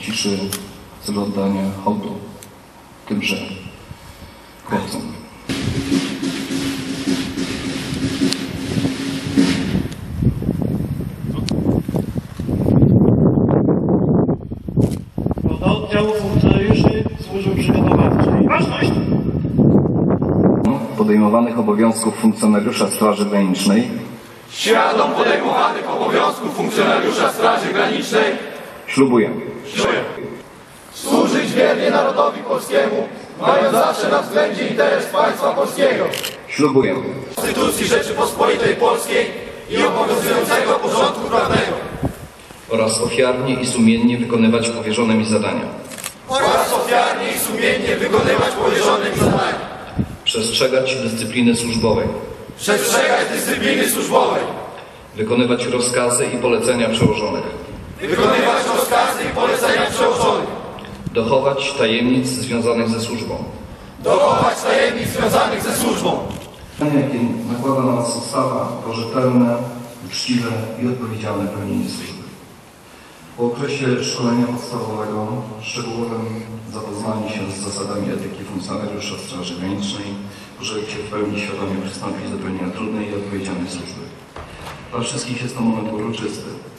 ciszy z oddania hołdu tymże chłopcom. Do oddziału funkcjonariuszy służby przygotowawczej. Ważność! Podejmowanych obowiązków funkcjonariusza Straży Granicznej Świadom podejmowanych obowiązków funkcjonariusza Straży Granicznej ślubuję służyć wiernie narodowi polskiemu, mając zawsze na względzie interes państwa polskiego, ślubuję Konstytucji Rzeczypospolitej Polskiej i obowiązującego porządku prawnego oraz ofiarnie i sumiennie wykonywać powierzone mi zadania. oraz ofiarnie i sumiennie wykonywać powierzone mi zadania, Przestrzegać dyscypliny służbowej. przestrzegać dyscypliny służbowej, Wykonywać rozkazy i polecenia przełożonych. wykonywać rozkazy i polecenia przełożonych, Dochować tajemnic związanych ze służbą. dochować tajemnic związanych ze służbą. Jakie nakłada na nas ustawa to rzetelne, uczciwe i odpowiedzialne pełnienie służby. Po okresie szkolenia podstawowego szczegółowym zapoznanie się z zasadami etyki funkcjonariusza Straży Granicznej, pożegnać się w pełni świadomie przystąpić do pełnienia trudnej i odpowiedzialnej służby. Dla wszystkich jest to moment uroczysty.